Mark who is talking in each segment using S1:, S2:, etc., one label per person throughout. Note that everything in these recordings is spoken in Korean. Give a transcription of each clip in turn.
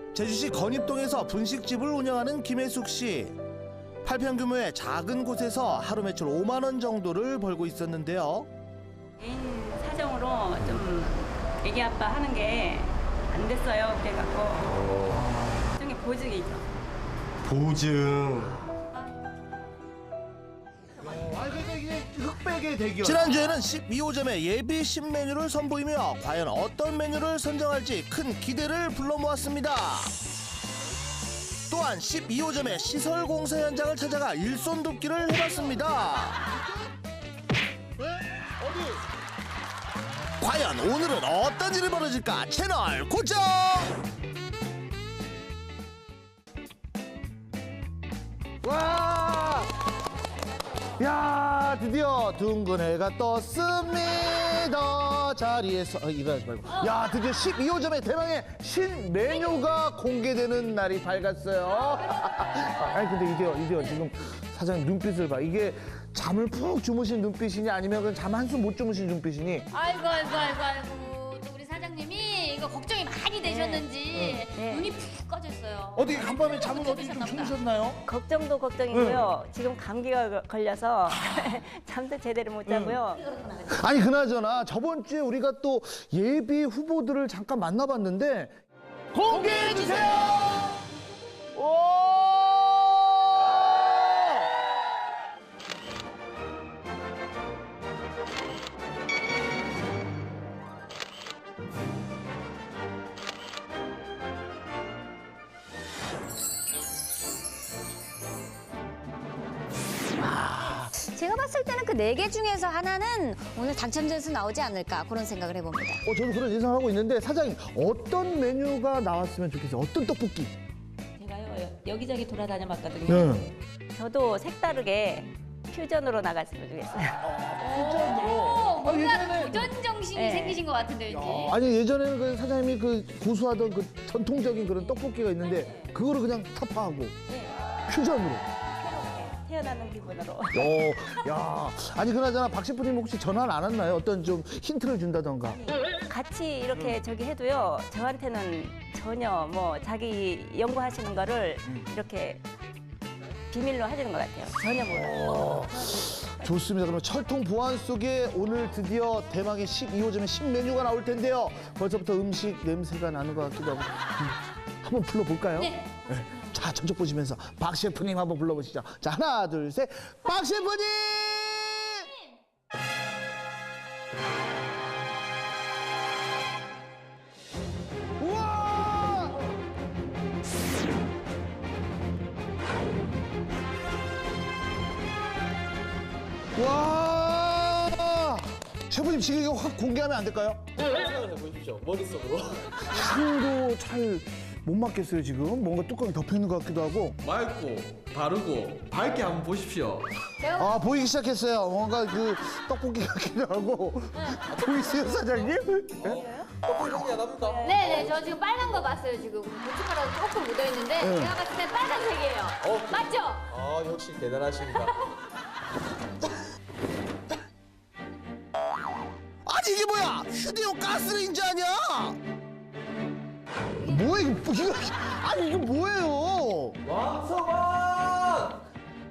S1: 제주시 건입동에서 분식집을 운영하는 김혜숙 씨. 8평 규모의 작은 곳에서 하루 매출 5만 원 정도를 벌고 있었는데요.
S2: 개인 사정으로 좀 애기 아빠 하는 게 안 됐어요. 그래갖고 일종의 보직이죠.
S3: 보증.
S1: 흑백의 대결. 지난주에는 12호점의 예비 신메뉴를 선보이며 과연 어떤 메뉴를 선정할지 큰 기대를 불러 모았습니다. 또한 12호점의 시설 공사 현장을 찾아가 일손 돕기를 해봤습니다. 과연 오늘은 어떤 일이 벌어질까? 채널 고정! 와! 야, 드디어 둥근 해가 떴습니다. 자리에서 일어나지 말고. 야, 드디어 12호점의 대망의 신메뉴가 공개되는 날이 밝았어요. 아니 근데 이대요 지금 사장님 눈빛을 봐. 이게 잠을 푹 주무신 눈빛이니 아니면 그냥 잠 한숨 못 주무신 눈빛이니?
S4: 아이고 또 우리 사장님이 이거 걱정이 많이 되셨는지 눈이 푹 꺼졌어요.
S1: 어디 간밤에 잠은 어디 좀
S4: 주무셨나 보다.
S1: 주무셨나요?
S2: 걱정도 걱정이고요. 지금 감기가 걸려서 잠도 제대로 못 자고요.
S1: 아니 그나저나 저번 주에 우리가 또 예비 후보들을 잠깐 만나봤는데 공개해 주세요. 오!
S5: 제가 봤을 때는 그 4개 중에서 하나는 오늘 당첨자에서 나오지 않을까 그런 생각을 해봅니다.
S1: 저도 그런 예상하고 있는데 사장님 어떤 메뉴가 나왔으면 좋겠어요? 어떤 떡볶이?
S2: 제가요 여기저기 돌아다녀 봤거든요. 저도 색다르게 퓨전으로 나갔으면 좋겠어요.
S4: 뭔가 도전 정신이
S2: 네.
S4: 생기신 것 같은데 왠지.
S1: 아니 예전에는 그 사장님이 그 고수하던 그 전통적인 그런 떡볶이가 있는데 그거를 그냥 타파하고 퓨전으로.
S2: 태어나는 기분으로.
S1: 야, 아니 그나저나 박 셰프님 혹시 전화를 안 왔나요? 어떤 좀 힌트를 준다던가.
S2: 같이 이렇게 저기 해도요. 저한테는 전혀 뭐 자기 연구하시는 거를 이렇게 비밀로 하시는 것 같아요. 전혀 몰라요.
S1: 좋습니다. 그럼 철통 보안 속에 오늘 드디어 대망의 12호점의 신메뉴가 나올 텐데요. 벌써부터 음식 냄새가 나는 것 같기도 하고. 한번 불러볼까요?
S4: 네.
S1: 자, 저쪽 보시면서 박 셰프님 한번 불러보시죠. 자, 하나, 둘, 셋. 박 셰프님! 우와! 와! 셰프님 지금 이거 확 공개하면 안 될까요?
S3: 상상을 해보십시오. 머릿속으로.
S1: 향도 잘 못 맡겠어요 지금. 뭔가 뚜껑이 덮여 있는 것 같기도 하고.
S3: 맑고 바르고 밝게 한번 보십시오.
S1: 아 보이기 시작했어요. 뭔가 그 떡볶이 같기도 하고. 보이세요 사장님?
S3: 떡볶이 향이 안 납니다.
S4: 네네, 저 지금 빨간 거 봤어요. 지금 고춧가루 조금 묻어 있는데 제가 봤을 때 빨간색이에요. 맞죠?
S3: 아 역시 대단하십니다.
S1: 아니 이게 뭐야? 휴대용 가스레인지 아니야? 뭐야 이거? 아니 이거 뭐예요?
S3: 왕서방!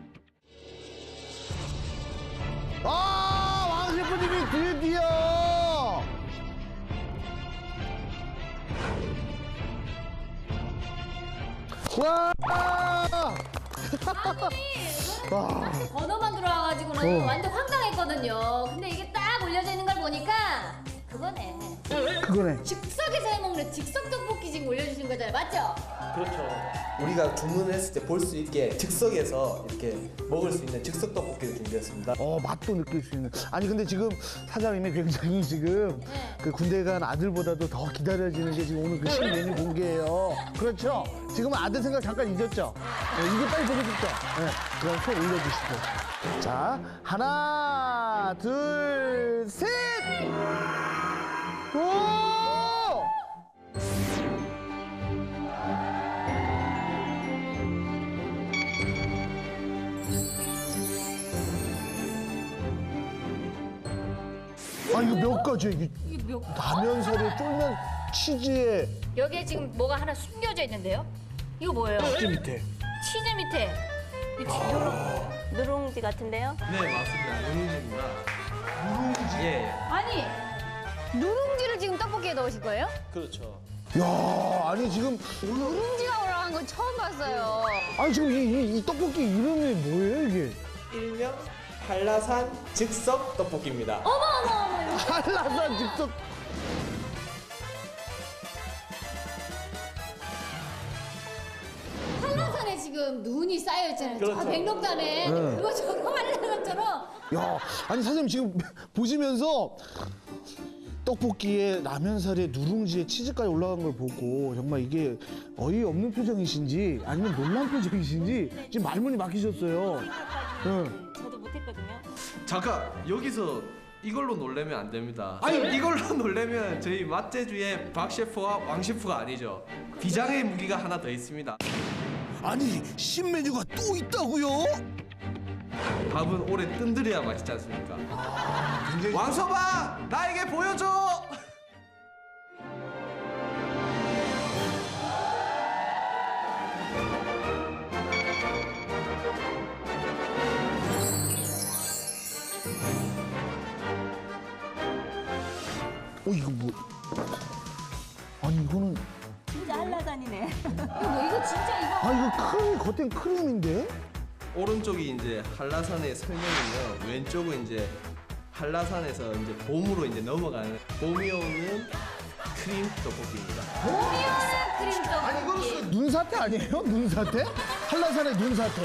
S1: 아, 왕 셰프님이 드디어! 와! 와!
S4: 번호만 들어와가지고는 완전 황당했거든요. 근데 이게 딱 올려져 있는 걸 보니까 그거네.
S1: 그거네.
S4: 즉석에서 해먹는 즉석 떡볶이 지금 올려주신 거잖아요. 맞죠?
S3: 그렇죠. 우리가 주문을 했을 때 볼 수 있게 즉석에서 이렇게 먹을 수 있는 즉석 떡볶이를 준비했습니다.
S1: 맛도 느낄 수 있는. 아니 근데 지금 사장님이 굉장히 지금 그 군대 간 아들보다도 더 기다려지는 게 지금 오늘 그 신메뉴 공개예요. 그렇죠? 지금은 아들 생각 잠깐 잊었죠? 네, 이게 빨리 보고 싶죠? 네, 그럼 손 올려주시고. 자, 하나, 둘, 셋! 오! 아 이거 몇 가지야 이게? 라면 사리에 쫄면 치즈에
S4: 여기에 지금 뭐가 하나 숨겨져 있는데요? 이거 뭐예요?
S1: 찌 밑에.
S4: 치즈 밑에.
S2: 누룽지 같은데요?
S3: 네 맞습니다. 누룽지입니다. 누룽지. 예.
S4: 아니 누룽지를 지금 떡볶이에 넣으실 거예요?
S3: 그렇죠.
S1: 야, 아니 지금
S5: 누룽지가 올라간 건 처음 봤어요.
S1: 아니 지금 이 떡볶이 이름이 뭐예요 이게?
S3: 일명 한라산 즉석 떡볶이입니다.
S1: 한라산 즉석.
S4: 한라산에 지금 눈이 쌓여 있잖아요.
S3: 그렇죠.
S4: 저 백록단에
S1: 네.
S4: 그거 저거 한라산처럼.
S1: 야, 아니 사장님 지금 보시면서 떡볶이에 라면살에 누룽지에 치즈까지 올라간 걸 보고 정말 이게 어이없는 표정이신지 아니면 놀란 표정이신지 지금 말문이 막히셨어요. 응.
S2: 저도 못했거든요.
S3: 잠깐 여기서 이걸로 놀래면 안 됩니다. 아니 이걸로 놀래면 저희 맛제주의 박 셰프와 왕 셰프가 아니죠. 비장의 무기가 하나 더 있습니다.
S1: 아니 신메뉴가 또 있다고요?
S3: 밥은 오래 뜬들여야 맛있지 않습니까? 왕서방 나에게 보여줘.
S1: 이거 뭐? 아니 이거는
S2: 진짜 한라산이네.
S4: 이거 진짜 이거.
S1: 이거 크림 겉엔 크림인데?
S3: 오른쪽이 이제 한라산의 설명이면 왼쪽은 이제 한라산에서 이제 봄으로 이제 넘어가는 봄이 오는 크림 떡볶이입니다.
S4: 크림 떡볶이.
S1: 아니 이거는 눈사태 아니에요? 눈사태? 한라산의 눈사태.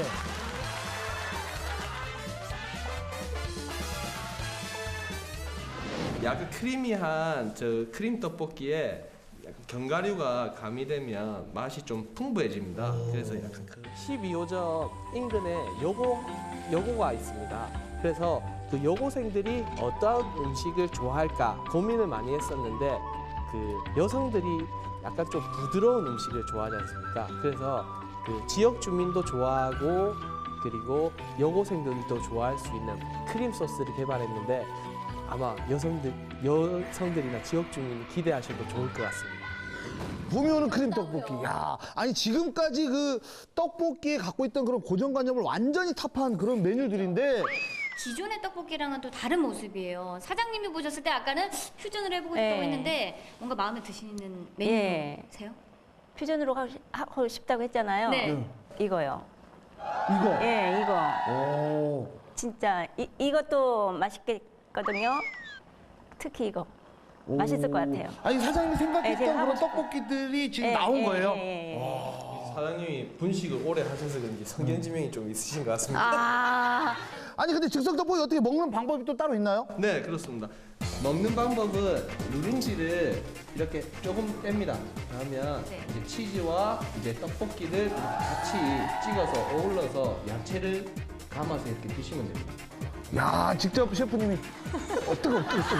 S3: 약간 크리미한 저 크림 떡볶이에 약간 견과류가 가미되면 맛이 좀 풍부해집니다. 그래서 약간 그 12호점 인근에 여고가 있습니다. 그래서 그 여고생들이 어떤 음식을 좋아할까 고민을 많이 했었는데 그 여성들이 약간 좀 부드러운 음식을 좋아하지 않습니까? 그래서 그 지역 주민도 좋아하고 그리고 여고생들도 좋아할 수 있는 크림 소스를 개발했는데 아마 여성들이나 지역 주민이 기대하셔도 좋을 것 같습니다.
S1: 봄이 오는 크림 떡볶이. 야, 아니 지금까지 그 떡볶이에 갖고 있던 그런 고정관념을 완전히 타파한 그런 메뉴들인데
S4: 기존의 떡볶이랑은 또 다른 모습이에요. 사장님이 보셨을 때 아까는 퓨전을 해보고
S2: 네.
S4: 싶다고 했는데 뭔가 마음에 드시는
S2: 예.
S4: 메뉴세요?
S2: 퓨전으로 하고 싶다고 했잖아요.
S4: 네.
S2: 이거요.
S1: 이거.
S2: 예, 이거.
S1: 오.
S2: 진짜 이것도 맛있겠거든요. 특히 이거. 맛있을 것 같아요.
S1: 아니 사장님이
S2: 네,
S1: 생각했던
S2: 제가 하고
S1: 그런
S2: 싶어요.
S1: 떡볶이들이 지금
S2: 예,
S1: 나온
S2: 예,
S1: 거예요.
S2: 예, 예.
S3: 사장님이 분식을 오래 하셔서 그런지 성견지명이 좀 있으신 것 같습니다.
S5: 아,
S1: 아니 근데 즉석 떡볶이 어떻게 먹는 방법이 또 따로 있나요?
S3: 네, 그렇습니다. 먹는 방법은 누룽지를 이렇게 조금 뺍니다. 그러면
S4: 네.
S3: 이제 치즈와 이제 떡볶이를 같이 찍어서 어울러서 야채를 감아서 이렇게 드시면 됩니다.
S1: 야, 직접 셰프님이 뜨거.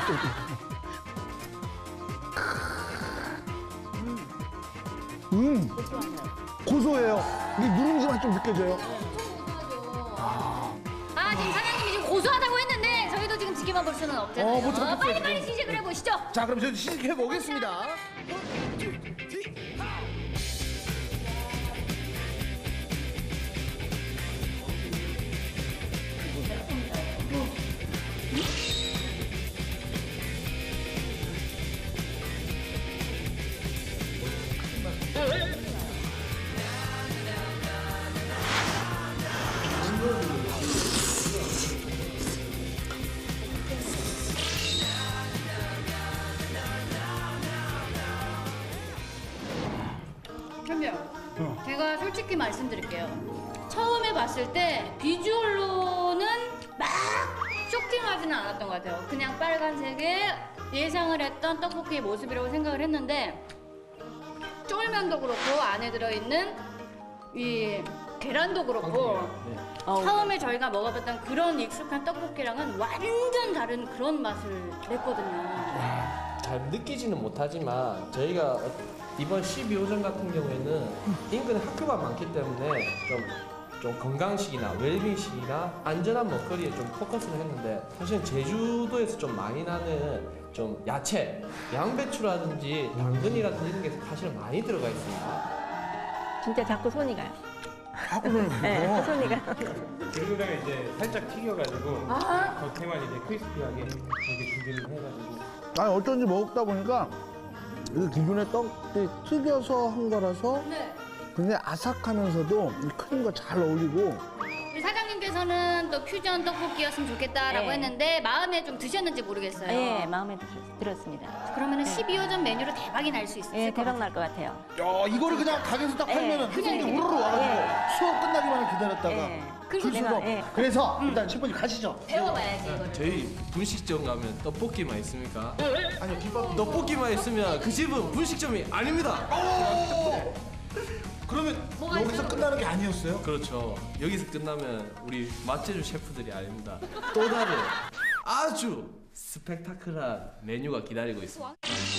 S1: 고소해요. 이게 누룽지 맛 좀 느껴져요.
S4: 지금 사장님이 지금 고소하다고 했는데 저희도 지금 지켜만 볼 수는 없잖아요.
S1: 못 참겠어요,
S4: 빨리
S1: 지금.
S4: 시식을 해보시죠.
S1: 자, 그럼 저희 시식해 보겠습니다.
S4: 그럼요. 제가 솔직히 말씀드릴게요. 처음에 봤을 때 비주얼로는 막 쇼킹하지는 않았던 것 같아요. 그냥 빨간색의 예상을 했던 떡볶이의 모습이라고 생각을 했는데 쫄면도 그렇고 안에 들어있는 이 계란도 그렇고 처음에 저희가 먹어봤던 그런 익숙한 떡볶이랑은 완전 다른 그런 맛을 냈거든요.
S3: 잘 느끼지는 못하지만 저희가 이번 12호점 같은 경우에는 인근에 학교가 많기 때문에 좀 건강식이나 웰빙식이나 안전한 먹거리에 좀 포커스를 했는데 사실 제주도에서 좀 많이 나는 좀 야채, 양배추라든지 당근이라든지 이런 게 사실은 많이 들어가 있습니다.
S2: 진짜 자꾸 손이 가요.
S1: 하고는
S2: 네, 손이 가.
S6: 그리고 그다음에 이제 살짝 튀겨가지고 겉에만 이제 크리스피하게 이렇게 준비를 해가지고
S1: 아니 어쩐지 먹다 보니까 이 기존의 떡이 튀겨서 한 거라서
S4: 네.
S1: 굉장히 아삭하면서도 이 크림과 잘 어울리고
S4: 우리 사장님께서는 또 퓨전 떡볶이였으면 좋겠다라고
S2: 네.
S4: 했는데 마음에 좀 드셨는지 모르겠어요.
S2: 네, 마음에 들었습니다.
S4: 그러면은 12호점 메뉴로 대박이 날 수 있어요.
S2: 예, 대박 날 것 같아요.
S1: 야 이거를 그냥 가게에서 딱 팔면은
S4: 그냥
S1: 손님들이
S4: 이렇게
S1: 우르르 와가지고
S2: 예.
S1: 수업 끝나기만을 기다렸다가
S2: 예.
S1: 줄
S2: 내가,
S1: 수가
S2: 예.
S1: 그래서 일단 셰프님 가시죠.
S4: 배워봐야지 이거를.
S3: 저희 분식점 가면 떡볶이만 있습니까? 아니요, 김밥. 떡볶이만 있으면 그 집은 분식점이 아닙니다.
S1: 그러면
S4: 뭐가
S1: 여기서
S4: 있어요?
S1: 끝나는 게 아니었어요?
S3: 그렇죠. 여기서 끝나면 우리 맛제주 셰프들이 아닙니다. 또 다른 아주 스펙타클한 메뉴가 기다리고 있습니다.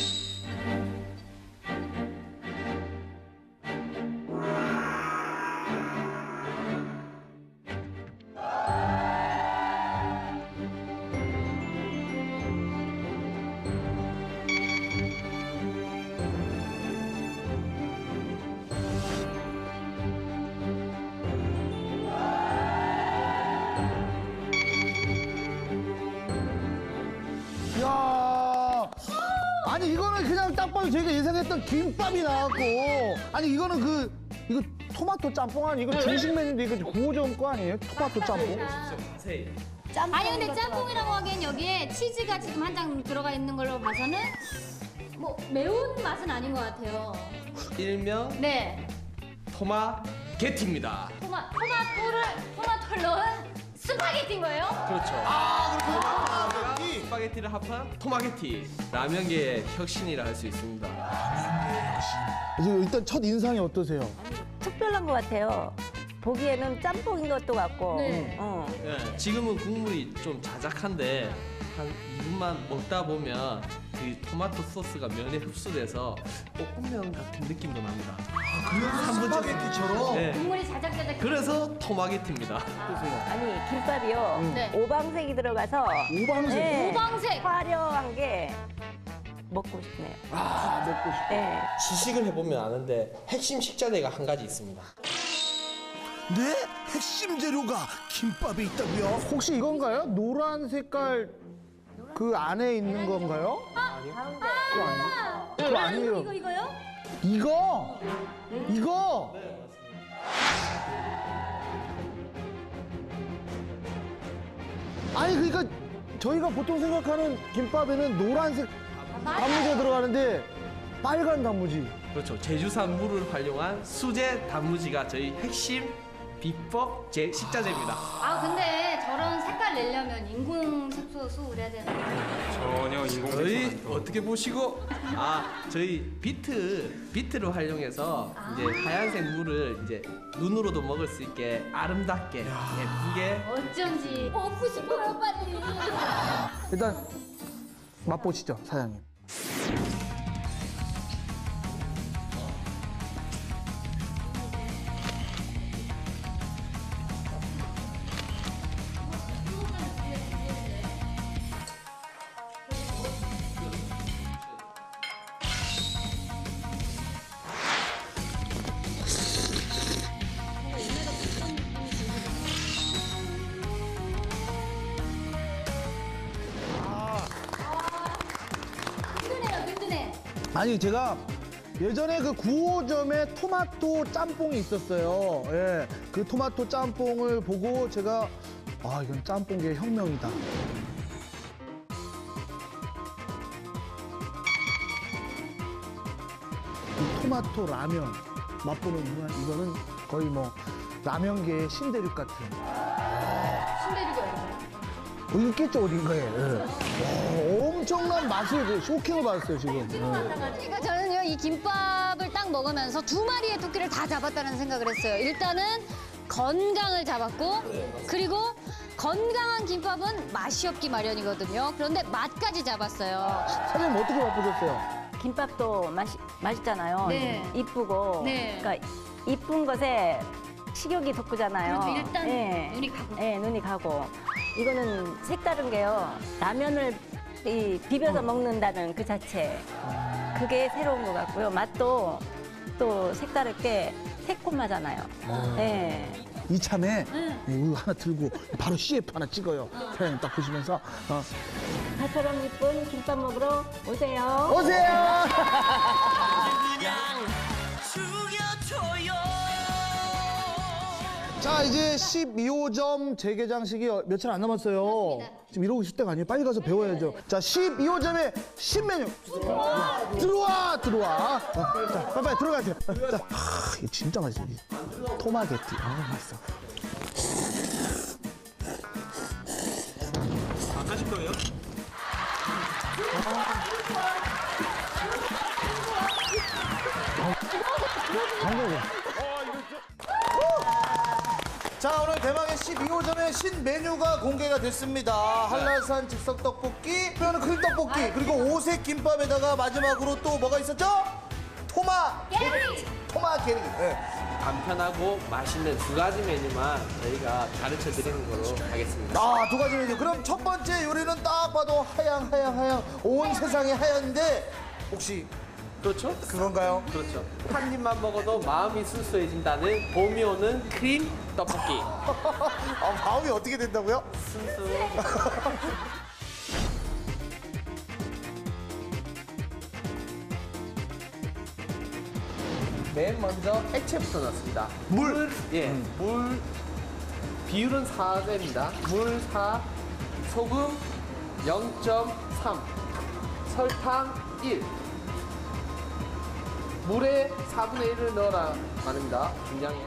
S1: 야 아니 이거는 그냥 딱 봐도 저희가 예상했던 김밥이 나왔고 아니 이거는 이거 토마토 짬뽕 아니 이거 중식 메뉴인데 이거 구호점 거 아니에요? 토마토 짬뽕?
S3: 자세히.
S4: 아니 근데 짬뽕이라고 하기엔 여기에 치즈가 지금 한 장 들어가 있는 걸로 봐서는 뭐 매운 맛은 아닌 것 같아요.
S3: 일명
S4: 네.
S3: 토마게티입니다.
S4: 토마토를 넣은 스파게티인 거예요?
S3: 그렇죠.
S1: 아
S3: 스파게티를 합한 토마게티. 라면계의 혁신이라 할 수 있습니다.
S1: 지금 일단 첫 인상이 어떠세요?
S2: 특별한 것 같아요. 보기에는 짬뽕인 것도 같고.
S4: 네.
S3: 예, 지금은 국물이 좀 자작한데 한 2분만 먹다 보면 그 토마토 소스가 면에 흡수돼서 볶음면 같은 느낌도 납니다.
S1: 그래서 스파게티처럼?
S3: 네.
S4: 국물이 자작자작.
S3: 그래서 토마게티입니다.
S2: 아니, 김밥이요.
S4: 네.
S2: 오방색이 들어가서.
S1: 오방색?
S2: 네,
S4: 오방색.
S2: 화려한 게 먹고 싶네요.
S1: 아 먹고 싶어
S2: 네.
S3: 시식을 해보면 아는데 핵심 식자재가 한 가지 있습니다.
S1: 네? 핵심 재료가 김밥에 있다고요? 혹시 이건가요? 노란 색깔 그 안에 있는 건가요? 그거 아니에요.
S4: 이거요?
S1: 이거? 이거? 아니 그러니까 저희가 보통 생각하는 김밥에는 노란색 단무지가 들어가는데 빨간 단무지.
S3: 그렇죠. 제주산 물을 활용한 수제 단무지가 저희 핵심 비법 식자재입니다.
S4: 아 근데 저런 색깔 내려면 인공 색소를 해야 되나?
S6: 전혀 인공
S3: 저희
S6: 색소
S3: 어떻게 보시고 저희 비트를 활용해서 이제 하얀색 물을 이제 눈으로도 먹을 수 있게 아름답게 예쁘게
S4: 어쩐지 먹고 싶어요 빨리.
S1: 일단 맛보시죠 사장님.
S4: 든든해요 든든해.
S1: 아니 제가 예전에 그 9호점에 토마토 짬뽕이 있었어요. 예, 그 토마토 짬뽕을 보고 제가 이건 짬뽕계의 혁명이다. 이 토마토 라면 맛보는 순간 이거는 거의 뭐 라면계의 신대륙 같은.
S4: 신대륙이 어디가요?
S1: 있겠죠 어딘가에. 예. 엄청난 맛을 쇼킹을 받았어요 지금.
S5: 그러니까 저는요 이 김밥을 딱 먹으면서 두 마리의 토끼를 다 잡았다는 생각을 했어요. 일단은 건강을 잡았고 그리고 건강한 김밥은 맛이 없기 마련이거든요. 그런데 맛까지 잡았어요.
S1: 사장님 어떻게 맛보셨어요?
S2: 김밥도 맛있잖아요.
S4: 네.
S2: 이쁘고.
S4: 네.
S2: 그러니까 이쁜 것에 식욕이 돋구잖아요.
S4: 그렇죠. 일단
S2: 예.
S4: 눈이 가고.
S2: 예, 눈이 가고. 이거는 색다른 게요. 라면을 이 비벼서 먹는다는 그 자체 그게 새로운 것 같고요. 맛도 또 색다르게 새콤하잖아요. 네.
S1: 이참에 이거 하나 들고 바로 CF 하나 찍어요. 사장님 딱 보시면서
S2: 가처럼 이쁜 김밥 먹으러 오세요.
S1: 오세요. 자 이제 12호점 재개장식이 며칠 안 남았어요. 지금 이러고 있을 때가 아니에요. 빨리 가서 배워야죠. 자 12호점의 신메뉴 들어와. 자 빨리 들어가세요. 자 이게 진짜 맛있어. 토마게티. 맛있어.
S6: 바꿔줄 거예요?
S1: 자 오늘 대망의 12호점의 신메뉴가 공개가 됐습니다. 한라산 즉석 떡볶이, 뼈는 크림 떡볶이, 그리고 오색 김밥에다가 마지막으로 또 뭐가 있었죠? 토마게리. 네.
S3: 간편하고 맛있는 두 가지 메뉴만 저희가 가르쳐 드리는 걸로 하겠습니다.
S1: 아, 두 가지 메뉴. 그럼 첫 번째 요리는 딱 봐도 하양. 온 세상이 하얀데 혹시
S3: 그렇죠?
S1: 그건가요?
S3: 그렇죠. 한 입만 먹어도 마음이 순수해진다는 봄이 오는 크림 떡볶이.
S1: 마음이 어떻게 된다고요?
S3: 순수. 맨 먼저 액체부터 넣습니다.
S1: 물.
S3: 물 비율은 4대입니다. 물 4, 소금 0.3, 설탕 1. 물에 4분의 1을 넣어라 말입니다. 중량에.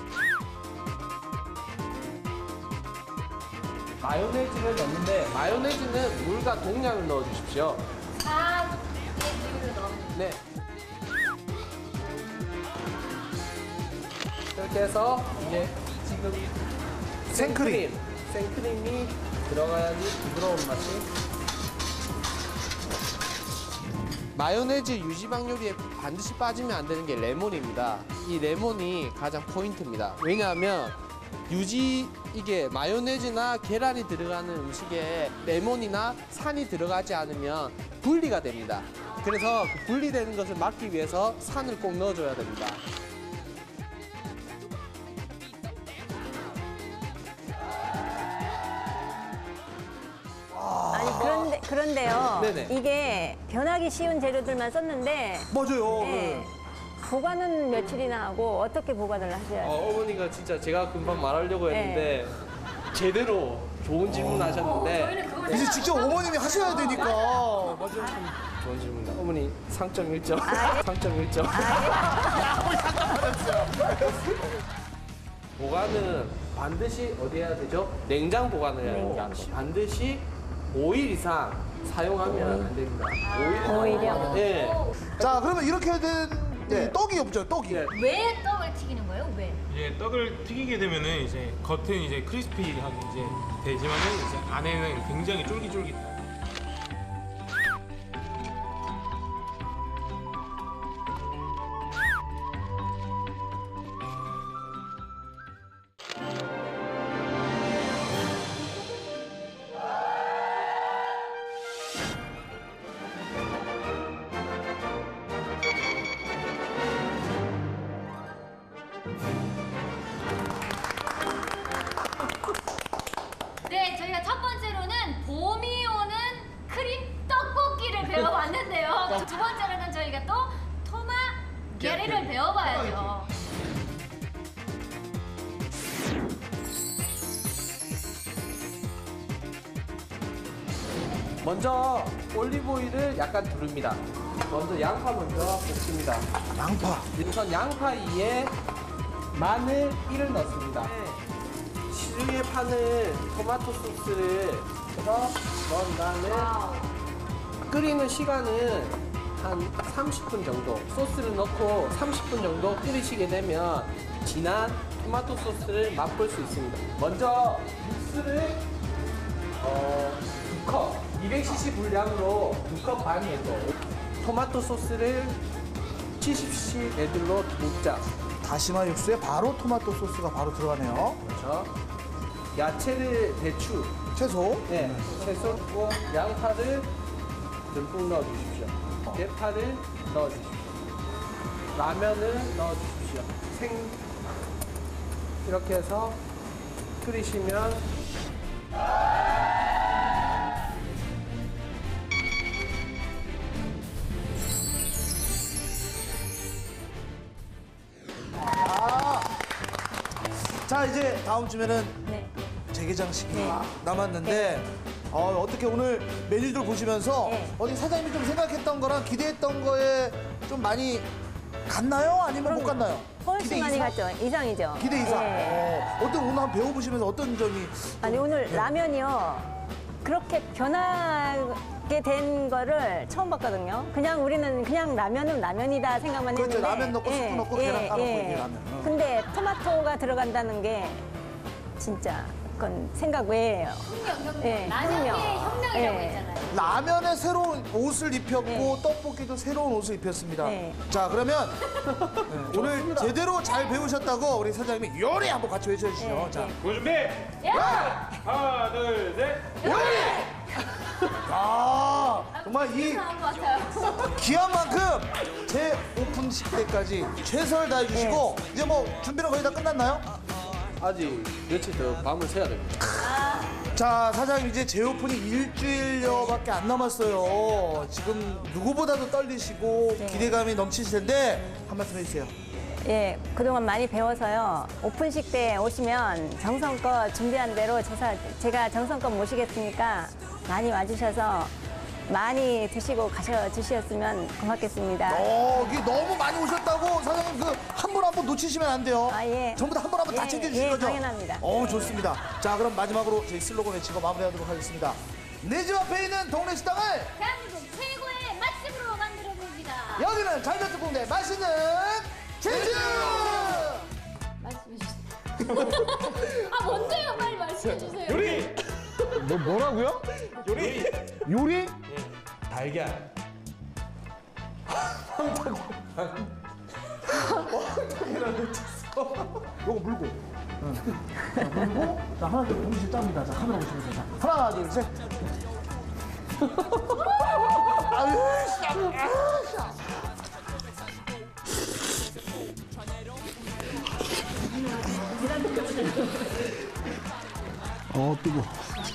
S3: 마요네즈를 넣는데 마요네즈는 물과 동량을 넣어 주십시오.
S4: 4의 비율을 넣으면
S3: 네. 이렇게 해서 이제 지금 생크림이 들어가야지 부드러운 맛이. 마요네즈 유지방 요리에 반드시 빠지면 안 되는 게 레몬입니다. 이 레몬이 가장 포인트입니다. 왜냐하면 이게 마요네즈나 계란이 들어가는 음식에 레몬이나 산이 들어가지 않으면 분리가 됩니다. 그래서 그 분리되는 것을 막기 위해서 산을 꼭 넣어줘야 됩니다.
S2: 아니 그런데요.
S3: 네네.
S2: 이게 변하기 쉬운 재료들만 썼는데
S1: 맞아요.
S2: 네. 보관은 며칠이나 하고 어떻게 보관을 하셔야 돼요?
S3: 어머니가 진짜 제가 금방 말하려고 했는데 제대로 좋은 질문 하셨는데
S1: 이제 직접 어머님이 하셔야 되니까. 맞아요.
S3: 좋은 질문이다. 어머니 상점 1점. 상점 1점. 보관은 반드시 어디 해야 되죠? 냉장 보관을 해야 됩니다. 반드시 5일 이상 사용하면 안 됩니다.
S2: 5일이요?
S3: 네.
S1: 자, 그러면 이렇게 된 떡이 없죠, 떡이.
S3: 네.
S4: 왜 떡을 튀기는 거예요? 왜?
S6: 이제 떡을 튀기게 되면은 이제 겉은 이제 크리스피하게 이제 되지만은 이제 안에는 굉장히 쫄깃쫄깃.
S4: 네, 저희가 첫 번째로는 봄이 오는 크림 떡볶이를 배워봤는데요. 두 번째로는 저희가 또 토마게리를 배워봐야죠.
S3: 먼저 올리브 오일을 약간 두릅니다. 먼저 양파 먼저 볶습니다.
S1: 양파.
S3: 우선 양파 위에 마늘 1을 넣습니다. 시중에 파는 토마토 소스를 넣은 다음에 끓이는 시간은 한 30분 정도 소스를 넣고 30분 정도 끓이시게 되면 진한 토마토 소스를 맛볼 수 있습니다. 먼저 육수를 2컵 200cc 분량으로 2컵 반 정도 토마토 소스를 70cc 레들로 붓자.
S1: 다시마 육수에 바로 토마토 소스가 바로 들어가네요.
S3: 그렇죠. 야채를 대추,
S1: 채소.
S3: 채소 넣고 양파를 듬뿍 넣어주십시오. 대파를 넣어주십시오. 라면을 넣어주십시오. 이렇게 해서 끓이시면
S1: 자, 이제 다음 주면은
S2: 네.
S1: 재개장식이
S2: 네.
S1: 남았는데 어떻게 오늘 메뉴들 보시면서
S2: 네.
S1: 어디 사장님이 좀 생각했던 거랑 기대했던 거에 좀 많이 갔나요? 아니면 못 갔나요?
S2: 훨씬 많이
S1: 이상?
S2: 갔죠. 이상이죠.
S1: 기대 이상.
S2: 네.
S1: 어떤 오늘 한번 배워보시면서 어떤 점이
S2: 아니 오늘 라면이요. 그렇게 변하게 된 거를 처음 봤거든요. 그냥 우리는 그냥 라면은 라면이다 생각만
S1: 그렇죠.
S2: 했는데.
S1: 라면 넣고 스프 넣고 계란 까놓고 이게 라면.
S2: 근데 토마토가 들어간다는 게 진짜 그건 생각 외예요. 예,
S4: 라면의
S2: 혁명.
S4: 혁명이라고
S2: 예.
S4: 했잖아요.
S1: 라면에 새로운 옷을 입혔고
S2: 네.
S1: 떡볶이도 새로운 옷을 입혔습니다.
S2: 네.
S1: 자, 그러면 네, 오늘 제대로 잘 배우셨다고 우리 사장님이 요리 한번 같이 외쳐주시죠.
S2: 네,
S1: 자,
S2: 네.
S6: 준비. 하나, 둘, 셋.
S1: 아, 정말 이
S4: 나온 것 같아요.
S1: 귀한 만큼 제 오픈식 때까지 최선을 다해주시고 이제 뭐 준비는 거의 다 끝났나요?
S3: 아직 며칠 더 밤을 새야 됩니다.
S1: 자, 사장님 이제 재오픈이 일주일여밖에 안 남았어요. 지금 누구보다도 떨리시고
S2: 네.
S1: 기대감이 넘치실 텐데 한 말씀 해주세요.
S2: 예, 그동안 많이 배워서요. 오픈식 때 오시면 정성껏 준비한 대로 제가 정성껏 모시겠으니까 많이 와주셔서 많이 드시고 가셔 주셨으면 고맙겠습니다.
S1: 이게 너무 많이 오셨다고 사장님 그 한 분 한 분 놓치시면 안 돼요.
S2: 아, 예.
S1: 전부 다 한 분 한 분 다
S2: 예,
S1: 챙겨주실
S2: 예,
S1: 거죠?
S2: 당연합니다.
S1: 좋습니다. 자, 그럼 마지막으로 저희 슬로건 외치고 마무리하도록 하겠습니다. 내 집 앞에 있는 동네 식당을
S4: 대한민국 최고의 맛집으로 만들어봅니다.
S1: 여기는 잘자특공대 맛있는 제주!
S4: 말씀해 주세요. 아 뭔데요? 빨리 말씀해 주세요.
S6: 요리.
S1: 뭐라고요?
S6: 요리.
S1: 요리?
S3: 달걀.
S1: 요거 물고. 물고, 자, 하나, 둘, 동시에 짭니다. 자, 카메라 보시면서. 자, 하나, 둘, 셋. 아유, 뜨거.